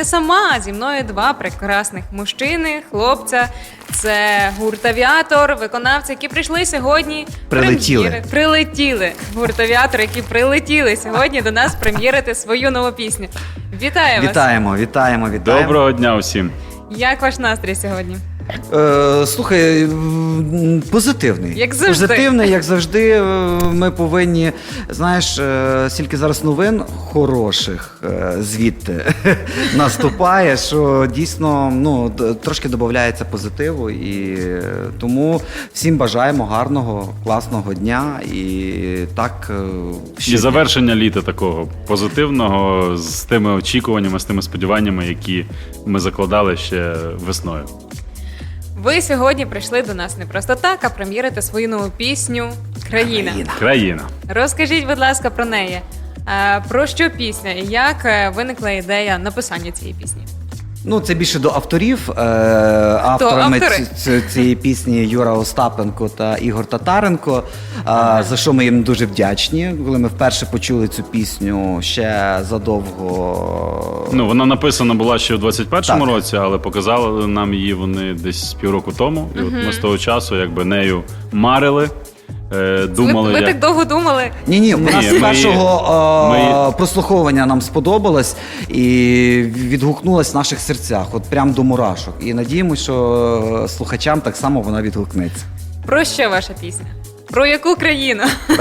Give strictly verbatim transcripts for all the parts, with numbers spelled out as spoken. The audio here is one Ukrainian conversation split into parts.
сама, зі мною два прекрасних мужчини, хлопця. Це гурт «Авіатор», виконавці, які прийшли сьогодні. Прилетіли. прем'єри- Прилетіли. Гурт «Авіатор», які прилетіли сьогодні до нас прем'єрити свою нову пісню. Вітаю вас! Вітаємо, вітаємо, вітаємо. Доброго дня усім. Як ваш настрій сьогодні? Е, слухай, м, позитивний. Як завжди. Позитивний, як завжди. Е, Ми повинні, знаєш, е, стільки зараз новин хороших е, звідти наступає, що дійсно ну, д- трошки додається позитиву. І е, тому всім бажаємо гарного, класного дня. І так, е, І щодня. завершення літа такого позитивного з тими очікуваннями, з тими сподіваннями, які ми закладали ще весною. Ви сьогодні прийшли до нас не просто так, а прем'єрити свою нову пісню «Країна». Країна. Країна. Розкажіть, будь ласка, про неї. Е, Про що пісня і як е, виникла ідея написання цієї пісні? Ну, це більше до авторів. Е, авторами автори? ці- ці- цієї пісні Юра Остапенко та Ігор Татаренко, е, за що ми їм дуже вдячні. Коли ми вперше почули цю пісню ще задовго. Ну, вона написана була ще в двадцять першому Так. році, але показали нам її вони десь півроку тому. І от ми з того часу якби нею марили, е, думали. ви, ви як... так довго думали? Ні, ні, у Ні, нас з ми- першого е, ми- прослуховування нам сподобалось і відгукнулась в наших серцях, от прям до мурашок. І надіємося, що слухачам так само вона відгукнеться. Про що ваша пісня? Про яку країну?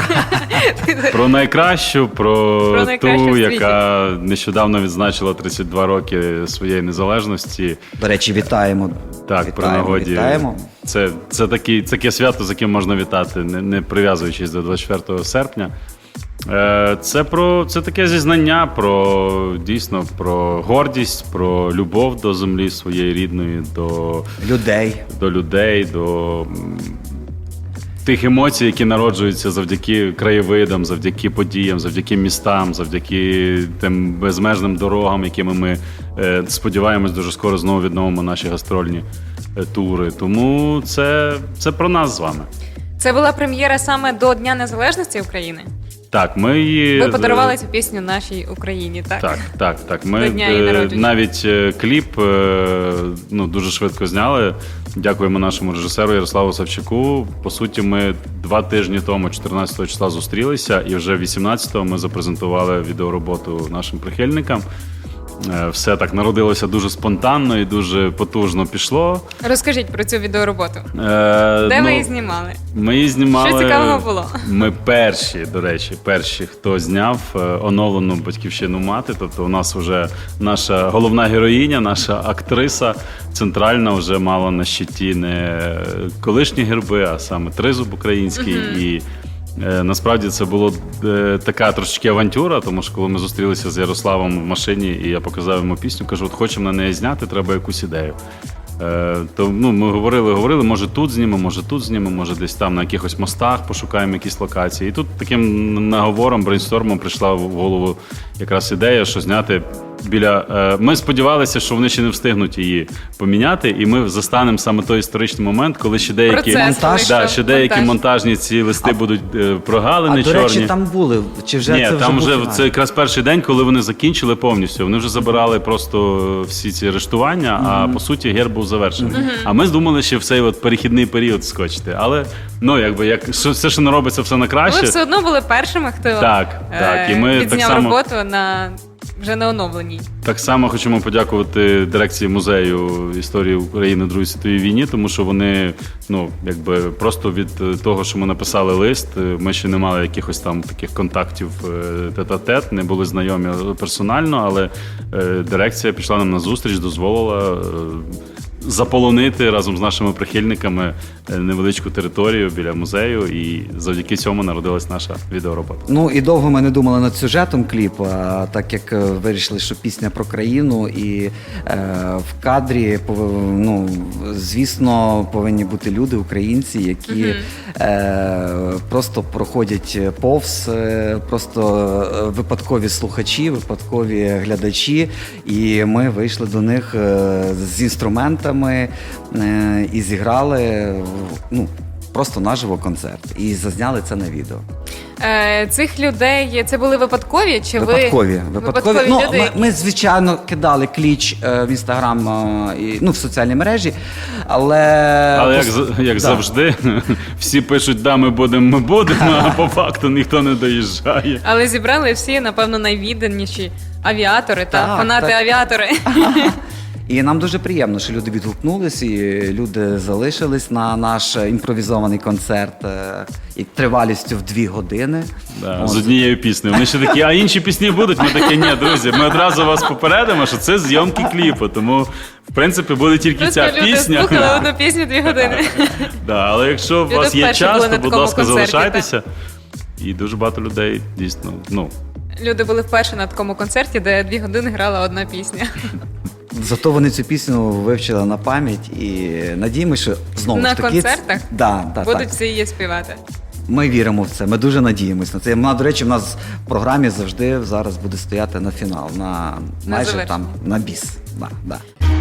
Про найкращу, про, Про найкращу ту, в світі. яка нещодавно відзначила тридцять два роки своєї незалежності. До речі, вітаємо. Так, при вітаємо, нагоді. вітаємо. Це, це такі, таке свято, з яким можна вітати, не, не прив'язуючись до двадцять четвертого серпня. Е, Це про це таке зізнання про дійсно про гордість, про любов до землі своєї рідної, до, Людей. до людей, до м, тих емоцій, які народжуються завдяки краєвидам, завдяки подіям, завдяки містам, завдяки тим безмежним дорогам, якими ми е, сподіваємось дуже скоро знову відновимо наші гастрольні е, тури. Тому це, це про нас з вами. Це була прем'єра саме до Дня Незалежності України? Так, ми її Ви подарували цю пісню нашій Україні, так? Так, так, так. Ми До дня її е, народження. навіть е, кліп е, ну, дуже швидко зняли. Дякуємо нашому режисеру Ярославу Савчуку. По суті, ми два тижні тому, чотирнадцятого числа, зустрілися, і вже вісімнадцятого ми запрезентували відеороботу нашим прихильникам. Е, Все так народилося дуже спонтанно і дуже потужно пішло. Розкажіть про цю відеороботу. Е, Де ну, ви її знімали? Ми її знімали. Що цікавого було? Ми перші, до речі, перші, хто зняв е, оновлену батьківщину мати. Тобто, у нас вже наша головна героїня, наша актриса центральна вже мала на щиті не колишні герби, а саме тризуб український. І е, насправді це було е, така трошечки авантюра, тому що коли ми зустрілися з Ярославом в машині, і я показав йому пісню, кажу, от хочемо на неї зняти, треба якусь ідею. Е, То ну, ми говорили, говорили, може тут знімемо, може тут знімемо, може десь там на якихось мостах пошукаємо якісь локації. І тут таким наговором, брейнстормом прийшла в голову якраз ідея, що зняти біля. е, Ми сподівалися, що вони ще не встигнуть її поміняти, і ми застанемо саме той історичний момент, коли ще деякі, Процес монтаж. да, вийшов, ще деякі монтаж. монтажні ці листи будуть е, прогалини А до чорні. речі, там були. Чи вже Ні, це вже там був вже фінал? це якраз перший день, коли вони закінчили повністю. Вони вже забирали просто всі ці арештування, а по суті герб був завершений. А ми думали, що в цей от перехідний період скочити. Але ну якби як що- все, що не робиться, все на Ви краще. все одно були першими, хто Так, е, так. І ми так відзняв само, роботу на вже на оновленій. так само хочемо подякувати дирекції музею історії України в Другій світовій війні, тому що вони, ну якби просто від е, того, що ми написали лист, е, ми ще не мали якихось там таких контактів е, тет-а-тет, не були знайомі персонально, але е, дирекція пішла нам на зустріч, дозволила е, заполонити разом з нашими прихильниками е, невеличку територію біля музею, і завдяки цьому народилась наша відеоробота. Ну і довго ми не думали над сюжетом кліпу, а так як е, вирішили, що пісня про країну, і е, в кадрі пов- ну, звісно, повинні бути люди, українці, які е, просто проходять повз, е, просто е, випадкові слухачі, випадкові глядачі, і ми вийшли до них е, з інструментами е, і зіграли ну, просто наживо концерт. І зазняли це на відео. Е, цих людей це були випадкові? Чи Випадкові. ви Випадкові. Ну, люди? ми, які- ми, звичайно, кидали кліч е, в інстаграм е, і ну, в соціальні мережі, але. Але як, пос- з- як да. завжди, всі пишуть, да, ми будемо, ми будемо, а по факту ніхто не доїжджає. Але зібрали всі, напевно, найвідданіші авіатори та Так, фанати так. авіатори. І нам дуже приємно, що люди відгукнулись, і люди залишились на наш імпровізований концерт е, і тривалістю в дві години. Да, От. з однією піснею. Вони ще такі, а інші пісні будуть? Ми такі, ні, друзі, ми одразу вас попередимо, що це зйомки кліпу, тому, в принципі, буде тільки Просто ця люди пісня. слухали одну пісню дві години. Да, але якщо у Люди вас є вперше час, були то, на будь такому ласка, концерті, залишайтеся. І дуже багато людей дійсно, ну, Люди були вперше на такому концерті, де дві години грала одна пісня. Зато вони цю пісню вивчили на пам'ять і надіємося, що знову На ж таки. концертах Да, да, Будуть так. всі її співати. Ми віримо в це, ми дуже надіємось на це. Вона, до речі, в нас в програмі завжди зараз буде стояти на фінал, на майже завершення. там на біс. Да, да.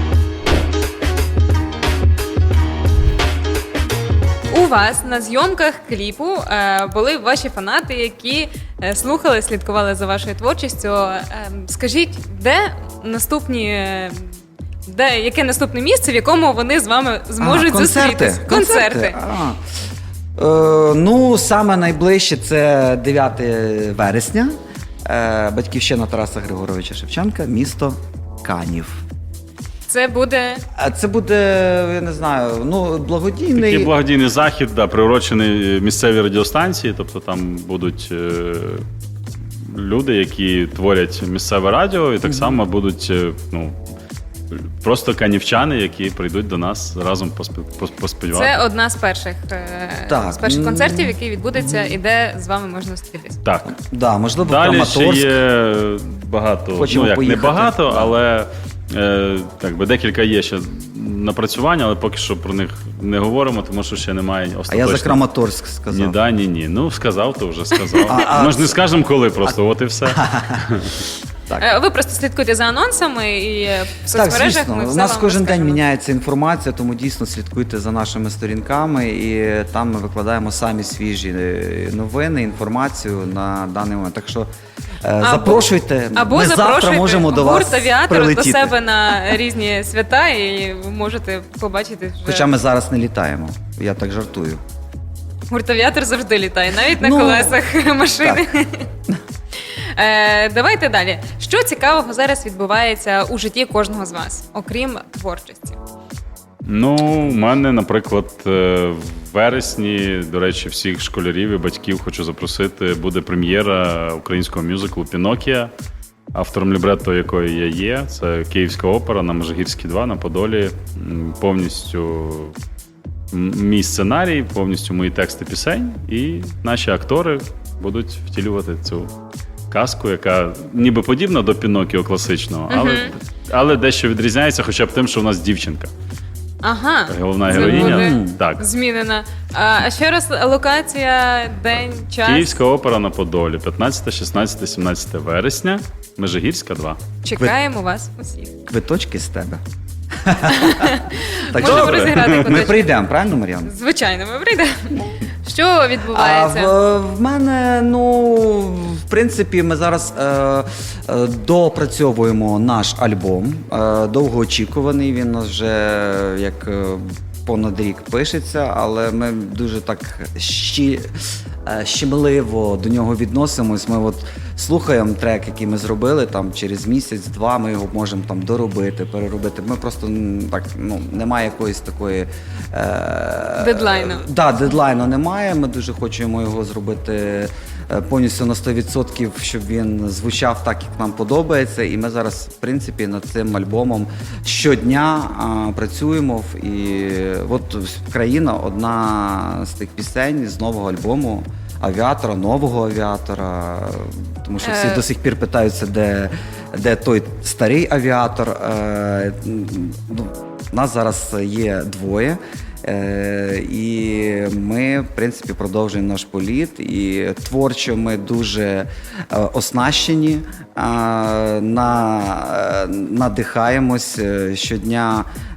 У вас на зйомках кліпу е, були ваші фанати, які е, слухали, слідкували за вашою творчістю. Е, скажіть, де наступні. е, Де, яке наступне місце, в якому вони з вами зможуть А, концерти. зустрітись? Концерти. А. Е, ну, саме найближче це дев'яте вересня. Е, батьківщина Тараса Григоровича Шевченка, місто Канів. Це буде А це буде, я не знаю, ну, благодійний. такий благодійний захід, да, приурочений місцевій радіостанції, тобто там будуть е, люди, які творять місцеве радіо, і так само будуть е, ну, просто канівчани, які прийдуть до нас разом поспі- пос- поспівати. це одна з перших е, Так. з перших М. концертів, який відбудеться, і де з вами можна зустрітись. Так. Да, можливо, Далі ще Краматорськ. є багато, Хочемо ну як поїхати. не багато, Да. але е, так би декілька є ще напрацювань, але поки що про них не говоримо, тому що ще немає А я остаточно. за Краматорськ сказав. Ні, да, ні, ні. Ну, сказав, то вже сказав. А, а Ми ж не це- скажемо коли, просто от і все. Так. Е, Ви просто слідкуйте за анонсами і е, в Так, соцмережах звісно, ми у все нас вам кожен день розкажемо. міняється інформація, тому дійсно слідкуйте за нашими сторінками, і там ми викладаємо самі свіжі е, новини, інформацію на даний момент. Так що е, запрошуйте, Або ми завтра запрошуйте можемо до гурт вас «Авіатор» прилетіти. до себе на різні свята, і ви можете побачити вже. Хоча ми зараз не літаємо, я так жартую. Гурт «Авіатор» завжди літає, навіть на Ну, колесах машини. Е, давайте далі. Що цікавого зараз відбувається у житті кожного з вас, окрім творчості? Ну, у мене, наприклад, е, в вересні, до речі, всіх школярів і батьків хочу запросити, буде прем'єра українського мюзиклу «Пінокія», автором лібретто якої я є. Це Київська опера на Межигірській два на Подолі. М, Повністю м- мій сценарій, повністю мої тексти пісень, і наші актори будуть втілювати цю казку, яка ніби подібна до Пінокіо класичного, але, але дещо відрізняється хоча б тим, що в нас дівчинка. Ага, Головна це героїня. буде Так. змінена. А, а ще раз локація, день, час. Київська опера на Подолі, п'ятнадцяте, шістнадцяте, сімнадцяте вересня, Межигірська два. Чекаємо вас усіх. Квиточки з тебе. Можемо добре. розіграти Ми куточок. прийдемо, правильно, Мар'яна? Звичайно, ми прийдемо. Що А відбувається? в, в мене, ну, в принципі, ми зараз е, е, допрацьовуємо наш альбом. Е, довгоочікуваний. Він у нас вже як е, понад рік пишеться, але ми дуже так щі, е, щемливо до нього відносимось. Ми от слухаємо трек, який ми зробили там через місяць-два. Ми його можемо там доробити, переробити. Ми просто м, так, ну, немає якоїсь такої е, Дедлайну. Да, дедлайну немає. Ми дуже хочемо його зробити е, повністю на сто відсотків, щоб він звучав так, як нам подобається. І ми зараз, в принципі, над цим альбомом щодня а, працюємо. І от країна одна з тих пісень з нового альбому. Авіатора, нового авіатора, тому що всі Е. до сих пір питаються, де, де той старий авіатор. Е, ну, нас зараз є двоє. Е, і ми, в принципі, продовжуємо наш політ. І творчо ми дуже е, оснащені, е, на, е, надихаємось е, щодня.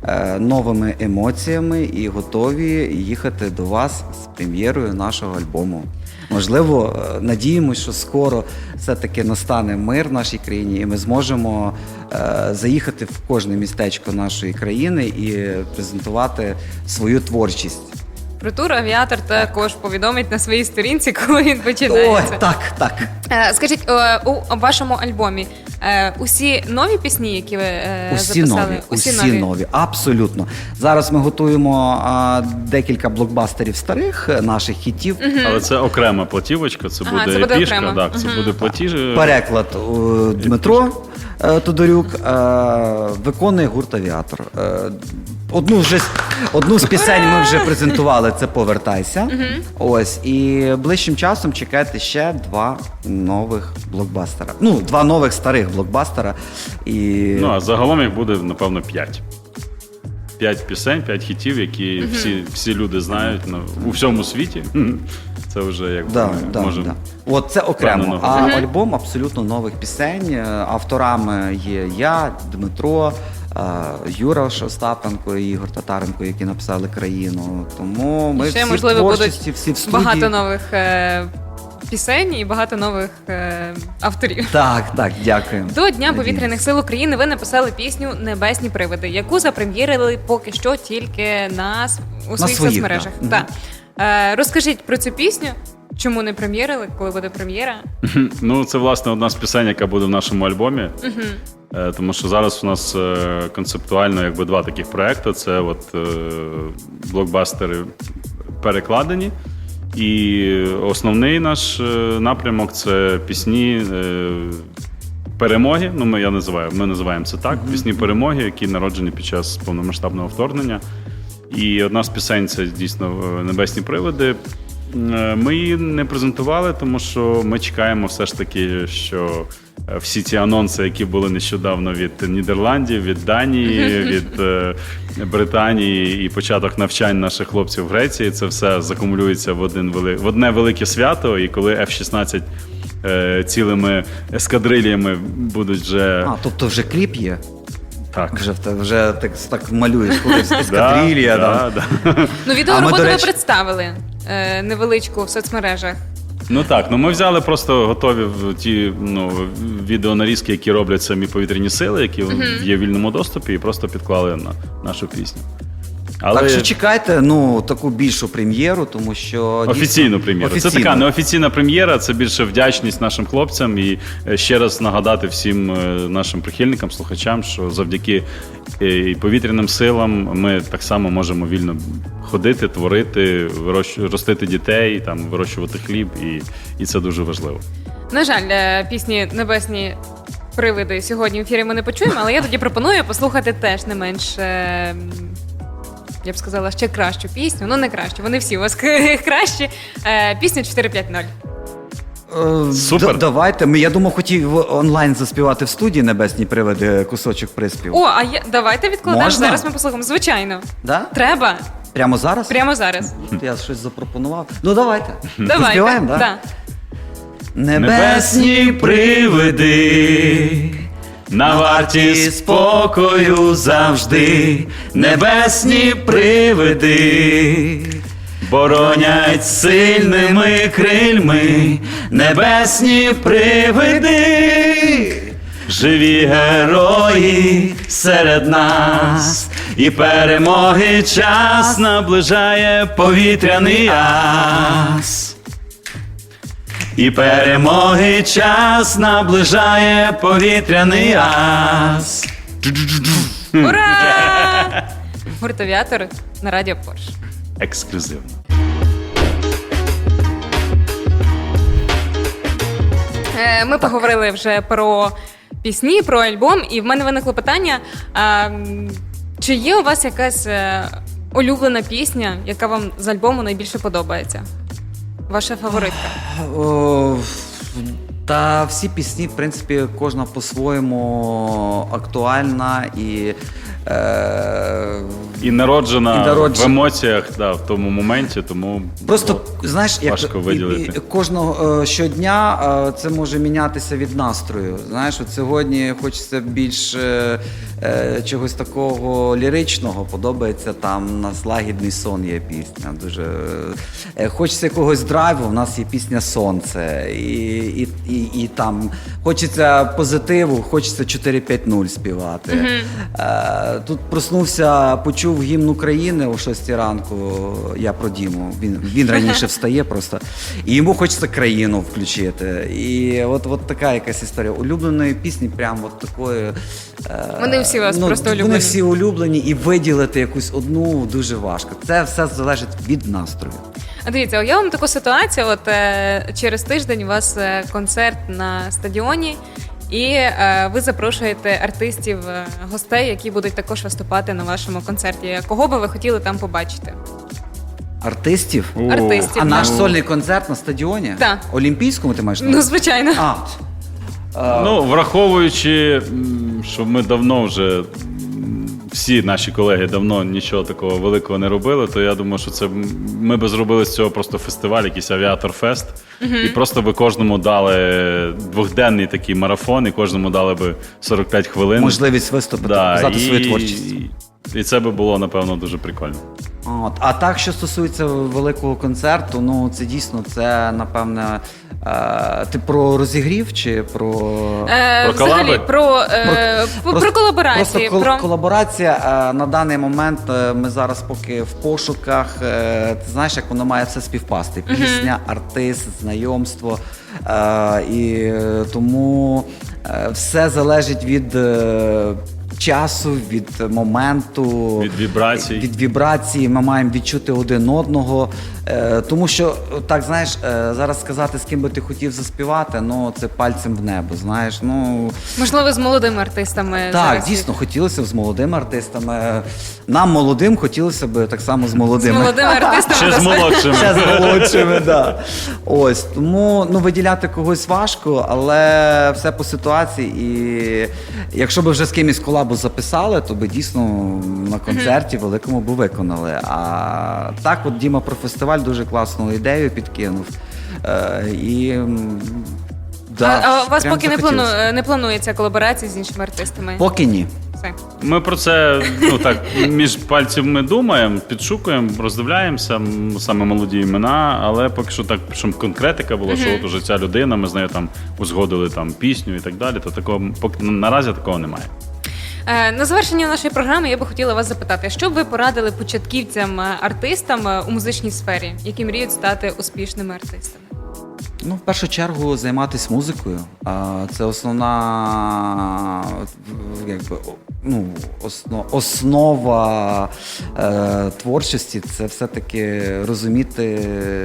е, новими емоціями і готові їхати до вас з прем'єрою нашого альбому. Можливо, е, надіємося, що скоро все-таки настане мир в нашій країні, і ми зможемо е, заїхати в кожне містечко нашої країни і презентувати свою творчість. Про тур авіатор також повідомить на своїй сторінці, коли він Ой, починається. так, так. Е, Скажіть, е, у вашому альбомі е, усі нові пісні, які ви е, Усі записали? нові, усі, нові, абсолютно. Зараз ми готуємо а, декілька блокбастерів старих е, наших хітів. Але це окрема платівочка, це Ага, буде це буде епішка, окремо. так, це буде платіж. Переклад е, Дмитро е, Тодорюк е, виконує гурт «Авіатор». Е, Одну, вже, з- одну з пісень ми вже презентували, це «Повертайся». Ось, і ближчим часом чекайте ще два нових блокбастера. Ну, два нових старих блокбастера. І... Ну, а загалом їх буде, напевно, п'ять. П'ять пісень, п'ять хітів, які всі, всі люди знають ну, у всьому світі. Це вже якби Да, ми да, можемо. да. От це окремо. впевнено А говорити. альбом абсолютно нових пісень. Е, Авторами є я, Дмитро, е, Юра Остапенко і Ігор Татаренко, які написали «Країну». Тому ми І ще, всі можливо, в творчості, будуть всі в студії. Багато нових е, пісень і багато нових е, авторів. Так, так, дякую. До Дня Надіюсь. повітряних сил України ви написали пісню «Небесні привиди», яку запрем'єрили поки що тільки на, с- у своїх своїх, соцмережах. да. Так. Е, розкажіть про цю пісню, чому не прем'єрили, коли буде прем'єра? Ну, це, власне, одна з пісень, яка буде в нашому альбомі. Е, Тому що зараз у нас е, концептуально якби два таких проекти. Це от е, блокбастери перекладені. І основний наш е, напрямок це пісні е, перемоги. Ну, ми я називаю, ми називаємо це так. Пісні перемоги, які народжені під час повномасштабного вторгнення. І одна з пісень це дійсно е, «Небесні привиди». Е, Ми її не презентували, тому що ми чекаємо все ж таки, що е, всі ці анонси, які були нещодавно від Нідерландів, від Данії, від е, Британії і початок навчань наших хлопців в Греції, це все закумулюється в, один вели... в одне велике свято. І коли еф шістнадцять е, цілими ескадрильями будуть вже А, тобто вже кліп є? так. Вже, в те- вже так, так малюєш, коли ескадрилія. Да, да. да, да. Ну, А відеороботу ми, до ви речі- представили е, невеличку в соцмережах. Ну так, ну ми взяли просто готові в- ті ну, відеонарізки, які роблять самі повітряні сили, які є в вільному доступі, і просто підклали на нашу пісню. Але Так що чекайте ну, таку більшу прем'єру, тому що... дійсно- офіційну прем'єру. Це Офіційну. така неофіційна прем'єра, це більше вдячність нашим хлопцям і е, ще раз нагадати всім е, нашим прихильникам, слухачам, що завдяки е, і повітряним силам ми так само можемо вільно ходити, творити, вирощ- ростити дітей, там, вирощувати хліб, і, і це дуже важливо. На жаль, е, пісні «Небесні привиди» сьогодні в ефірі ми не почуємо, але я тоді пропоную послухати теж не менш, е, я б сказала, ще кращу пісню. Ну, не кращу, вони всі у вас кращі. Е, Пісню чотири п'ять ноль. Е, Супер. д- Давайте. Ми, я думав, хотів онлайн заспівати в студії «Небесні привиди» кусочок приспів. О, а я, давайте відкладемо, Можна? зараз ми послухаємо. Звичайно. Да? Треба. Прямо зараз? Прямо зараз. Я щось запропонував. Ну давайте. Давайте. Заспіваємо, да? Да. Небесні привиди, На варті спокою завжди, небесні привиди, боронять сильними крильми, небесні привиди, живі герої серед нас, і перемоги час наближає повітряний ас. І перемоги час наближає повітряний ас. Ура! Гурт «Авіатор» на радіо Порш. Ексклюзивно. Е, Ми поговорили вже про пісні, про альбом, і в мене виникло питання: а, м, чи є у вас якась е, улюблена пісня, яка вам з альбому найбільше подобається? Ваша фаворитка? О, Та всі пісні, в принципі, кожна по-своєму актуальна і Е, І народжена, І народжена. в емоціях, да, в тому моменті, тому Просто було знаєш, як важко виділити. і- і кожного е, щодня е, це може мінятися від настрою. Знаєш, от сьогодні хочеться більш е, е, чогось такого ліричного. Подобається там у нас лагідний сон є пісня. Дуже е, хочеться якогось драйву. У нас є пісня Сонце. І, і, і, і там хочеться позитиву, хочеться чотири п'ять нуль співати. Е, тут проснувся, почув гімн України о шостій ранку. Я про Діму. Він, він раніше встає просто. І йому хочеться країну включити. І от, от така якась історія. Улюбленої пісні, прям от такої. е, Вони всі у вас просто Вони улюблені. всі улюблені, і виділити якусь одну дуже важко. Це все залежить від настрою. А дивіться, уявимо таку ситуацію. От е, через тиждень у вас е, концерт на стадіоні, і е, ви запрошуєте артистів, е, гостей, які будуть також виступати на вашому концерті. Кого би ви хотіли там побачити? Артистів. О, Артистів. А наш ну. сольний концерт на стадіоні? Так. Олімпійському ти маєш на Ну, увазі? звичайно. А, е, Ну, враховуючи, м, що ми давно вже, м, всі наші колеги давно нічого такого великого не робили, то я думаю, що це м, ми би зробили з цього просто фестиваль, якийсь авіатор-фест, і просто би кожному дали двохденний такий марафон, і кожному дали би сорок п'ять хвилин. можливість виступити, Да, показати і, свою творчість. І це би було, напевно, дуже прикольно. От. А так, що стосується великого концерту, ну це дійсно, це напевне. Е, ти про розігрів чи про. Е, Про взагалі, колаби? про, е, про, про колаборації. Просто кол- про... колаборація. Е, на даний момент е, ми зараз поки в пошуках. Е, ти знаєш, як воно має все співпасти. Пісня, артист, знайомство. Е, і е, тому е, все залежить від. Е, часу, від моменту, Від вібрацій. від вібрації. Ми маємо відчути один одного. Е, тому що, так, знаєш, е, зараз сказати, з ким би ти хотів заспівати, ну, це пальцем в небо, знаєш. Ну, Можливо, з молодими артистами. так, зараз. дійсно, хотілося б з молодими артистами. Нам, молодим, хотілося б так само з З молодими. молодими артистами. Ще з просто- молодшими. Ще з молодшими, да. Ось, тому ну, виділяти когось важко, але все по ситуації. І якщо б вже з кимось колабу записали, то би дійсно на концерті великому би виконали. А так, от Діма про фестиваль дуже класну ідею підкинув. Е, і, м, да, а, а у вас прям поки не, захотілося. плану, не планується колаборації з іншими артистами? Поки ні. Все. Ми про це ну так між пальців ми думаємо, підшукуємо, роздивляємося м, саме молоді імена, але поки що так, щоб конкретика була, що от уже ця людина, ми з нею там узгодили там пісню і так далі, то такого поки наразі такого немає. Е, На завершення нашої програми я би хотіла вас запитати, що б ви порадили початківцям, е, артистам е, у музичній сфері, які мріють стати успішними артистами? Ну, в першу чергу займатися музикою. А, Це основна, якби, о- ну, осно, основа е, творчості. Це все-таки розуміти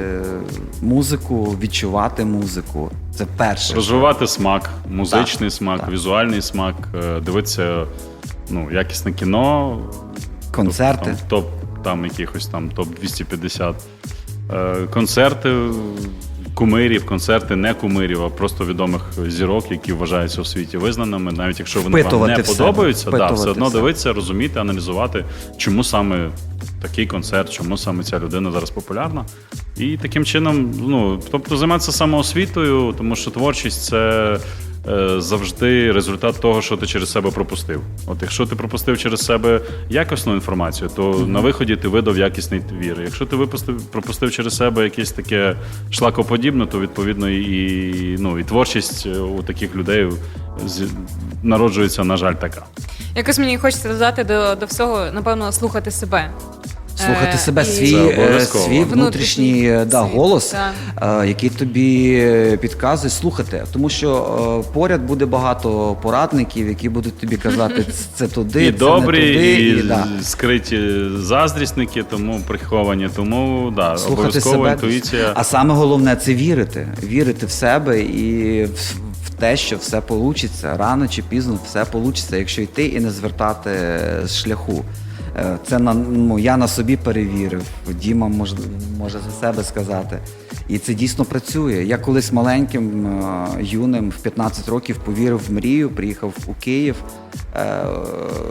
музику, відчувати музику. Це перше. Розвивати смак, музичний Так, смак, так. візуальний смак, е, дивитися ну, якісне кіно, Концерти. Там, топ там якихось там топ двісті п'ятдесят е, концерти кумирів, концерти не кумирів, а просто відомих зірок, які вважаються у світі визнаними, навіть якщо вони вам Впитувати не в себе, подобаються, да, впитувати все одно в себе. дивитися, розуміти, аналізувати, чому саме такий концерт, чому саме ця людина зараз популярна. І таким чином, ну, тобто займатися самоосвітою, тому що творчість це е, завжди результат того, що ти через себе пропустив. От якщо ти пропустив через себе якісну інформацію, то mm-hmm. на виході ти видав якісний твір. Якщо ти випустив, пропустив через себе якесь таке шлакоподібне, то відповідно і, ну, і творчість у таких людей з- народжується, на жаль, така. Якось мені хочеться додати до, до всього, напевно, слухати себе. Слухати Е, себе, і- свій, Це е, обов'язково. свій внутрішній е, да, світ, голос, так. е, який тобі підказує слухати. Тому що е, поряд буде багато порадників, які будуть тобі казати, це туди, І це добрі, не туди. і, І, да. скриті заздрісники, тому приховані. Тому да, Слухати обов'язково себе. інтуїція. А саме головне це вірити. Вірити в себе і в, в те, що все вийде. Рано чи пізно все вийде, якщо йти і не звертати з шляху. Е, Це на, ну, я на собі перевірив, Діма може, може за себе сказати. І це дійсно працює. Я колись маленьким, е, юним, в п'ятнадцять років повірив в мрію, приїхав у Київ. Е,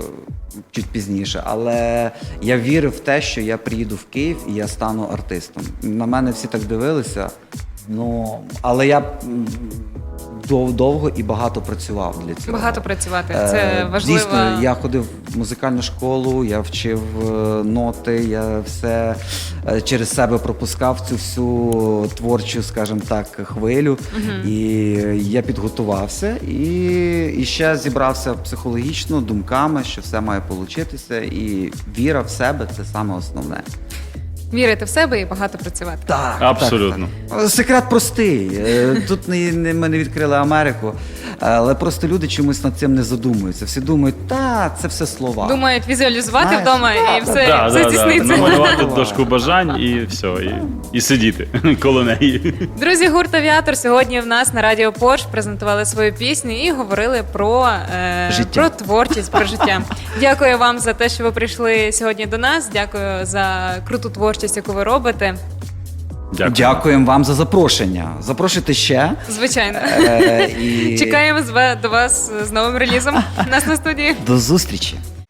чуть пізніше. Але я вірив в те, що я приїду в Київ і я стану артистом. На мене всі так дивилися. Ну, але я м, дов- довго і багато працював для цього. Багато працювати. Е, Це важливо. Дійсно, я ходив в музикальну школу, я вчив е, ноти, я все е, через себе пропускав цю всю творчу, скажімо так, хвилю. І я підготувався і, і ще зібрався психологічно думками, що все має получитися. І віра в себе це саме основне. Вірити в себе і багато працювати. Так, Абсолютно. Так, так. Секрет простий. Е, Тут не, не, ми не відкрили Америку, але просто люди чомусь над цим не задумуються. Всі думають, та це все слова. Думають візуалізувати Знаєш, вдома да, і да, все, Да, все да, да. здійсниться. Намалювати дошку бажань і все, і, і сидіти коло неї. Друзі, гурт «Авіатор» сьогодні в нас на Радіо Порш презентували свою пісню і говорили про, е, Життя. про творчість, про життя. Дякую вам за те, що ви прийшли сьогодні до нас. Дякую за круту творчість, яку ви робите. Дякую. Дякуємо вам за запрошення. Запрошуйте ще. Звичайно. Е, і Чекаємо з ва- до вас з новим релізом. У нас на студії. До зустрічі.